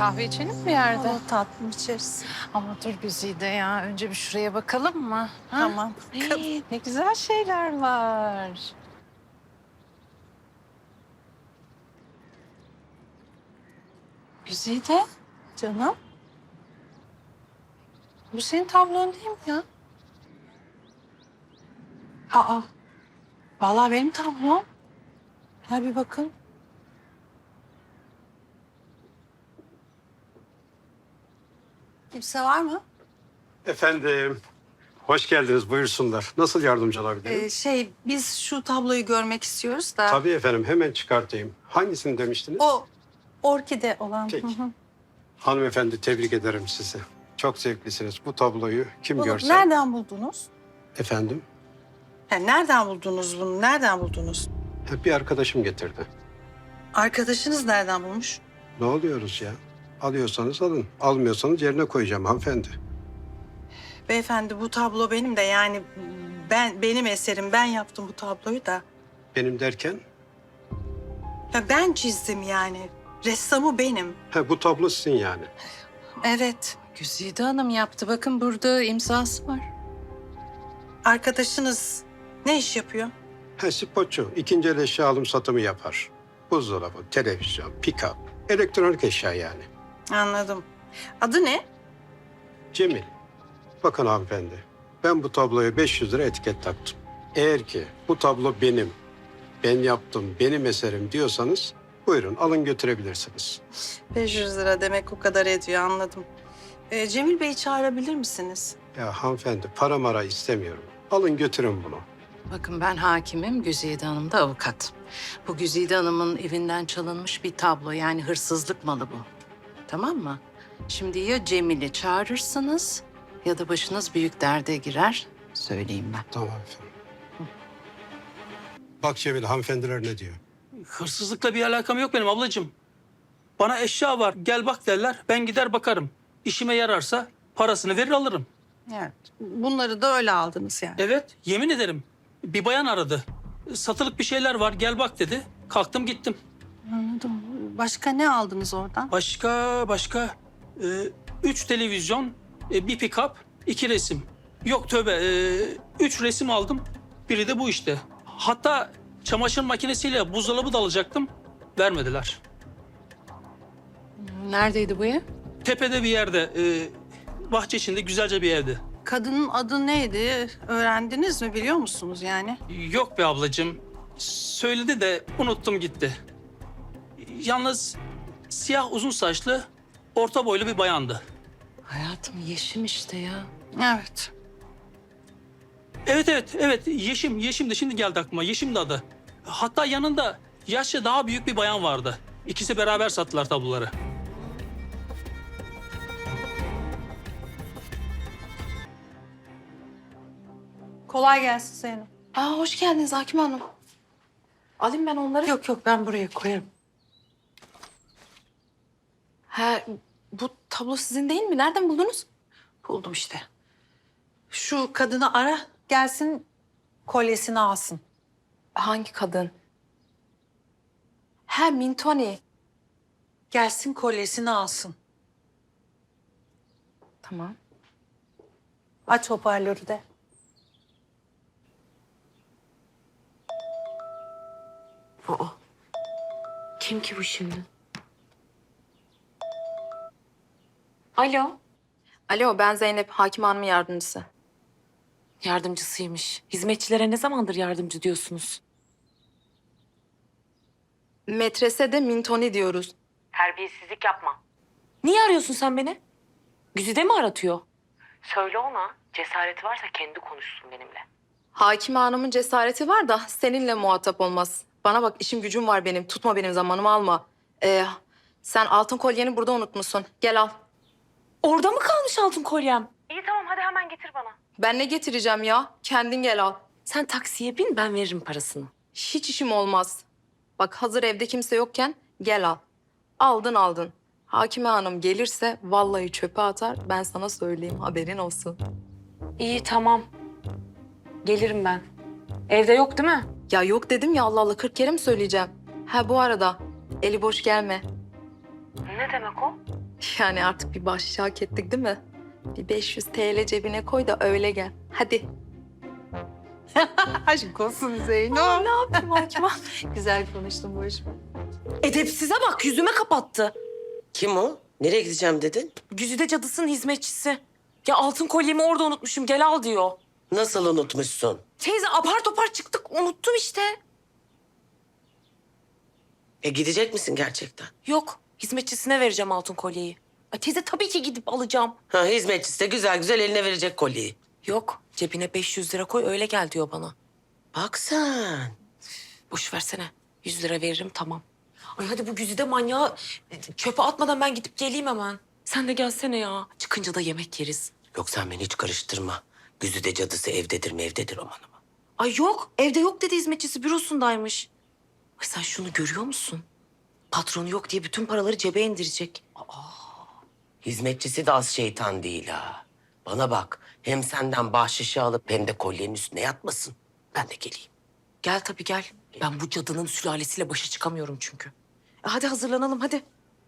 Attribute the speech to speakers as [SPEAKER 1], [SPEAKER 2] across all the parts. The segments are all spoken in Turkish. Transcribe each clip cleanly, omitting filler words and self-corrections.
[SPEAKER 1] kahve içelim mi bir yerde?
[SPEAKER 2] O tatlım içeriz.
[SPEAKER 1] Ama dur Güzide ya. Önce bir şuraya bakalım mı? Ha?
[SPEAKER 2] Tamam.
[SPEAKER 1] Ne güzel şeyler var. Güzide,
[SPEAKER 2] Canım.
[SPEAKER 1] bu senin tablon değil mi ya? Aa, vallahi benim tablom. Gel bir bakın.
[SPEAKER 2] Kimse var mı?
[SPEAKER 3] Efendim, hoş geldiniz. Buyursunlar. Nasıl yardımcı olabilirim?
[SPEAKER 2] Biz şu tabloyu görmek istiyoruz da.
[SPEAKER 3] Tabii efendim, hemen çıkartayım. Hangisini demiştiniz?
[SPEAKER 2] O orkide olan.
[SPEAKER 3] Peki.
[SPEAKER 2] Hı hı.
[SPEAKER 3] Hanımefendi, tebrik ederim sizi. Çok zevklisiniz. Bu tabloyu kim
[SPEAKER 2] Bunu
[SPEAKER 3] görse...
[SPEAKER 2] nereden buldunuz?
[SPEAKER 3] Efendim,
[SPEAKER 2] Nereden buldunuz bunu? Nereden buldunuz?
[SPEAKER 3] hep bir arkadaşım getirdi.
[SPEAKER 2] Arkadaşınız nereden bulmuş?
[SPEAKER 3] Ne oluyoruz ya? Alıyorsanız alın. Almıyorsanız yerine koyacağım hanımefendi.
[SPEAKER 2] Beyefendi bu tablo benim de yani benim eserim. Ben yaptım bu tabloyu da.
[SPEAKER 3] Benim derken,
[SPEAKER 2] Ya ben çizdim yani. Ressamı benim.
[SPEAKER 3] bu tablo sizin yani.
[SPEAKER 2] Evet.
[SPEAKER 1] Güzide Hanım yaptı. Bakın burada imzası var.
[SPEAKER 2] Arkadaşınız ne iş yapıyor?
[SPEAKER 3] Spotçu. İkinci el eşya alım satımı yapar. Buzdolabı, televizyon, pick-up, elektronik eşya yani.
[SPEAKER 2] Anladım. Adı ne?
[SPEAKER 3] Cemil, bakın hanımefendi, ben bu tabloya 500 lira etiket taktım. Eğer ki bu tablo benim, ben yaptım, benim eserim diyorsanız buyurun alın götürebilirsiniz.
[SPEAKER 2] 500 lira demek o kadar ediyor anladım. Cemil Bey'i çağırabilir misiniz?
[SPEAKER 3] Ya hanımefendi para mara istemiyorum. Alın götürün bunu.
[SPEAKER 1] Bakın ben hakimim, Güzide Hanım da avukat. Bu Güzide Hanım'ın evinden çalınmış bir tablo. Yani hırsızlık malı bu. Tamam mı? Şimdi ya Cemil'i çağırırsınız ya da başınız büyük derde girer. Söyleyeyim ben.
[SPEAKER 3] Tamam efendim. Bak Cemil hanımefendiler ne diyor?
[SPEAKER 4] Hırsızlıkla bir alakam yok benim ablacığım. Bana eşya var, gel bak derler. Ben gider bakarım. İşime yararsa parasını verir alırım.
[SPEAKER 2] Evet. Bunları da öyle aldınız yani.
[SPEAKER 4] Evet, yemin ederim. Bir bayan aradı. Satılık bir şeyler var, gel bak dedi. Kalktım gittim.
[SPEAKER 2] Anladım. Başka ne aldınız oradan?
[SPEAKER 4] Başka. 3 televizyon, bir pick-up, 2 resim. Yok tövbe, 3 resim aldım. Biri de bu işte. Hatta çamaşır makinesiyle buzdolabı da alacaktım. Vermediler.
[SPEAKER 1] Neredeydi bu ev?
[SPEAKER 4] Tepede bir yerde, bahçe içinde güzelce bir evdi.
[SPEAKER 2] Kadının adı neydi? Öğrendiniz mi? Biliyor musunuz yani?
[SPEAKER 4] Yok be ablacığım. Söyledi de unuttum gitti. Yalnız siyah uzun saçlı, orta boylu bir bayandı.
[SPEAKER 1] Hayatım Yeşim işte ya.
[SPEAKER 2] Evet.
[SPEAKER 4] Evet. Yeşim de şimdi geldi aklıma. Yeşim de adı. Hatta yanında yaşça daha büyük bir bayan vardı. İkisi beraber sattılar tabloları.
[SPEAKER 2] Kolay gelsin Zeynep.
[SPEAKER 5] Aa, hoş geldiniz Hakim Hanım. Alayım ben onları.
[SPEAKER 2] Yok ben buraya koyarım.
[SPEAKER 5] Ha, bu tablo sizin değil mi? Nereden buldunuz?
[SPEAKER 2] Buldum işte. Şu kadını ara gelsin kolyesini alsın.
[SPEAKER 5] Hangi kadın? Ha, Mintoni.
[SPEAKER 2] Gelsin kolyesini alsın.
[SPEAKER 5] Tamam.
[SPEAKER 2] Aç hoparlörü de.
[SPEAKER 5] Aa, kim ki bu şimdi? Alo. Alo, ben Zeynep, Hakim Hanım'ın yardımcısı.
[SPEAKER 6] Yardımcısıymış. Hizmetçilere ne zamandır yardımcı diyorsunuz?
[SPEAKER 5] Metrese de Mintoni diyoruz.
[SPEAKER 6] Terbiyesizlik yapma. Niye arıyorsun sen beni? Güzide mi aratıyor? Söyle ona. Cesareti varsa kendi konuşsun benimle.
[SPEAKER 5] Hakim Hanım'ın cesareti var da seninle muhatap olmaz. Bana bak, işim gücüm var benim. Tutma benim zamanımı, alma. Sen altın kolyeni burada unutmuşsun. Gel al.
[SPEAKER 6] Orada mı kalmış altın kolyem? İyi tamam, hadi hemen getir bana.
[SPEAKER 5] Ben ne getireceğim ya? Kendin gel al.
[SPEAKER 6] Sen taksiye bin, ben veririm parasını.
[SPEAKER 5] Hiç işim olmaz. Bak, hazır evde kimse yokken gel al. Aldın. Hakime Hanım gelirse vallahi çöpe atar. Ben sana söyleyeyim, haberin olsun.
[SPEAKER 6] İyi tamam. Gelirim ben. Evde yok değil mi?
[SPEAKER 5] Ya yok dedim ya, Allah Allah, 40 kere mi söyleyeceğim? Ha, bu arada eli boş gelme.
[SPEAKER 6] Ne demek o?
[SPEAKER 5] Yani artık bir bahşiş hak ettik değil mi? Bir 500 TL cebine koy da öyle gel. Hadi.
[SPEAKER 2] Aşk olsun Zeyno.
[SPEAKER 5] Ne yapayım Hakim Hanım? Güzel konuştum boş ver.
[SPEAKER 6] Edepsize bak, yüzüme kapattı.
[SPEAKER 7] Kim o? Nereye gideceğim dedin?
[SPEAKER 6] Güzide cadısının hizmetçisi. Ya altın kolyemi orada unutmuşum, gel al diyor.
[SPEAKER 7] Nasıl unutmuşsun?
[SPEAKER 6] Teyze apar topar çıktık, unuttum işte.
[SPEAKER 7] Gidecek misin gerçekten?
[SPEAKER 6] Yok, hizmetçisine vereceğim altın kolyeyi. Ay teyze tabii ki gidip alacağım.
[SPEAKER 7] Ha, hizmetçisi de güzel güzel eline verecek kolyeyi.
[SPEAKER 6] Yok, cebine 500 lira koy öyle gel diyor bana.
[SPEAKER 7] Bak sen.
[SPEAKER 6] Boş versene, 100 lira veririm tamam. Ay hadi bu güzide manyağı çöpe atmadan ben gidip geleyim hemen. Sen de gelsene ya. Çıkınca da yemek yeriz.
[SPEAKER 7] Yok sen beni hiç karıştırma. Güzide cadısı evdedir mi evdedir aman aman.
[SPEAKER 6] Ay yok, evde yok dedi hizmetçisi, bürosundaymış. Ay sen şunu görüyor musun? Patronu yok diye bütün paraları cebe indirecek.
[SPEAKER 7] Hizmetçisi de az şeytan değil ha. Bana bak hem senden bahşişi alıp hem de kolyenin üstüne yatmasın. Ben de geleyim.
[SPEAKER 6] Gel tabii gel. Ben bu cadının sülalesiyle başa çıkamıyorum çünkü. Hadi hazırlanalım hadi.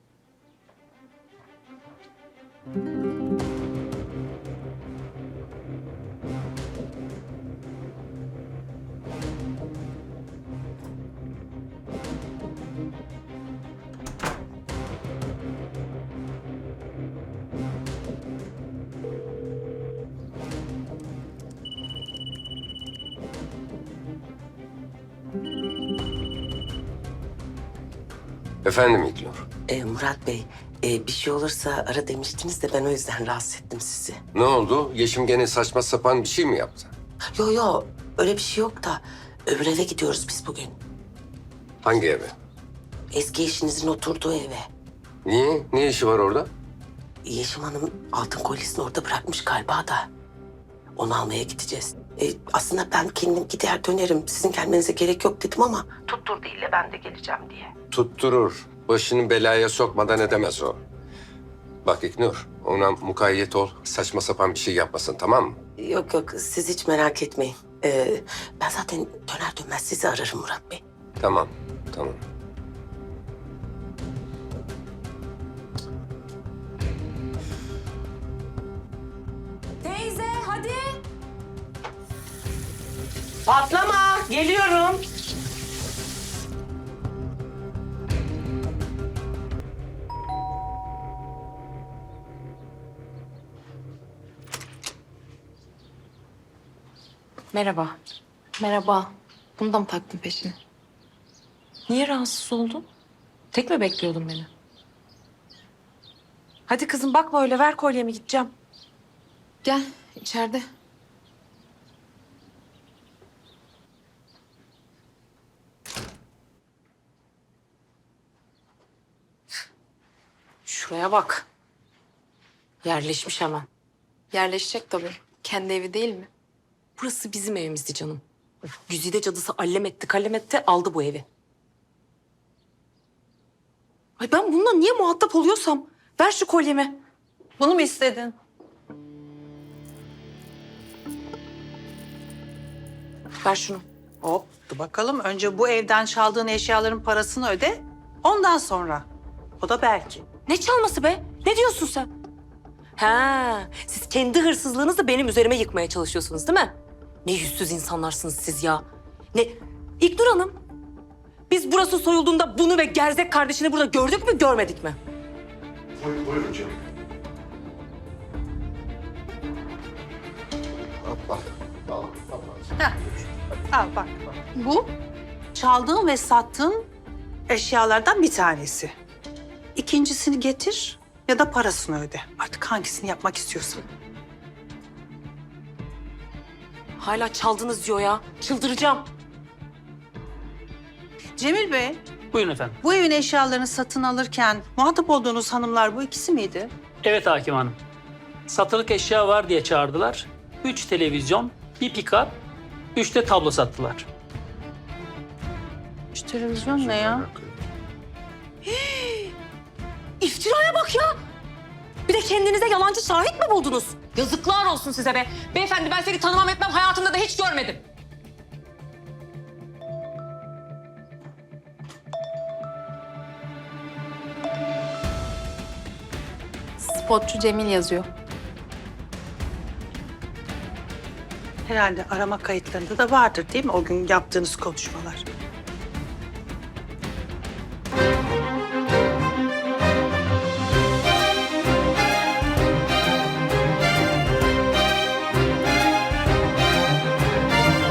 [SPEAKER 8] Efendim İlknur.
[SPEAKER 7] Murat Bey bir şey olursa ara demiştiniz de ben o yüzden rahatsız ettim sizi.
[SPEAKER 8] Ne oldu? Yeşim gene saçma sapan bir şey mi yaptı?
[SPEAKER 7] Yo öyle bir şey yok da öbür eve gidiyoruz biz bugün.
[SPEAKER 8] Hangi eve?
[SPEAKER 7] Eski eşinizin oturduğu eve.
[SPEAKER 8] Niye? Ne işi var orada?
[SPEAKER 7] Yeşim Hanım altın kolyesini orada bırakmış galiba da. Onu almaya gideceğiz. Aslında ben kendim gider dönerim. Sizin gelmenize gerek yok dedim ama... Tutturdu ille ben de geleceğim diye.
[SPEAKER 8] Tutturur. Başını belaya sokmadan edemez o. Bak İlknur, ona mukayyet ol. Saçma sapan bir şey yapmasın, tamam mı?
[SPEAKER 7] Yok siz hiç merak etmeyin. Ben zaten döner dönmez sizi ararım Murat Bey.
[SPEAKER 8] Tamam, tamam.
[SPEAKER 6] Teyze hadi.
[SPEAKER 7] Patlama geliyorum.
[SPEAKER 6] Merhaba.
[SPEAKER 5] Merhaba. Bunu da mı taktın peşine?
[SPEAKER 6] Niye rahatsız oldun? Tek mi bekliyordun beni? Hadi kızım bakma öyle, ver kolyemi gideceğim.
[SPEAKER 5] Gel içeride.
[SPEAKER 6] Şuraya bak. Yerleşmiş hemen.
[SPEAKER 5] Yerleşecek tabii. Kendi evi değil mi?
[SPEAKER 6] Burası bizim evimizdi canım. Güzide cadısı allem etti kallem etti aldı bu evi. Ay ben bununla niye muhatap oluyorsam ver şu kolyemi.
[SPEAKER 2] Bunu mu istedin?
[SPEAKER 6] Ver şunu.
[SPEAKER 2] Hop dur bakalım. Önce bu evden çaldığın eşyaların parasını öde. Ondan sonra. O da belki.
[SPEAKER 6] Ne çalması be? Ne diyorsun sen? Ha, siz kendi hırsızlığınızı benim üzerime yıkmaya çalışıyorsunuz değil mi? Ne yüzsüz insanlarsınız siz ya. Ne? İlknur Hanım, biz burası soyulduğunda bunu ve gerzek kardeşini burada gördük mü görmedik mi?
[SPEAKER 8] Buyurun canım.
[SPEAKER 2] Al bak. Bu çaldığın ve sattığın eşyalardan bir tanesi. İkincisini getir ya da parasını öde. Artık hangisini yapmak istiyorsan.
[SPEAKER 6] Hala çaldınız diyor ya. Çıldıracağım.
[SPEAKER 2] Cemil Bey,
[SPEAKER 4] Buyurun efendim.
[SPEAKER 2] bu evin eşyalarını satın alırken muhatap olduğunuz hanımlar bu ikisi miydi?
[SPEAKER 4] Evet Hakim Hanım. Satılık eşya var diye çağırdılar. 3 televizyon, bir pick-up, 3 de tablo sattılar.
[SPEAKER 2] Şu televizyon ne ya?
[SPEAKER 6] İftiraya bak ya. Bir de kendinize yalancı şahit mi buldunuz? Yazıklar olsun size be. Beyefendi ben seni tanımam etmem, hayatımda da hiç görmedim.
[SPEAKER 5] Spotçu Cemil yazıyor.
[SPEAKER 2] Herhalde arama kayıtlarında da vardır değil mi o gün yaptığınız konuşmalar?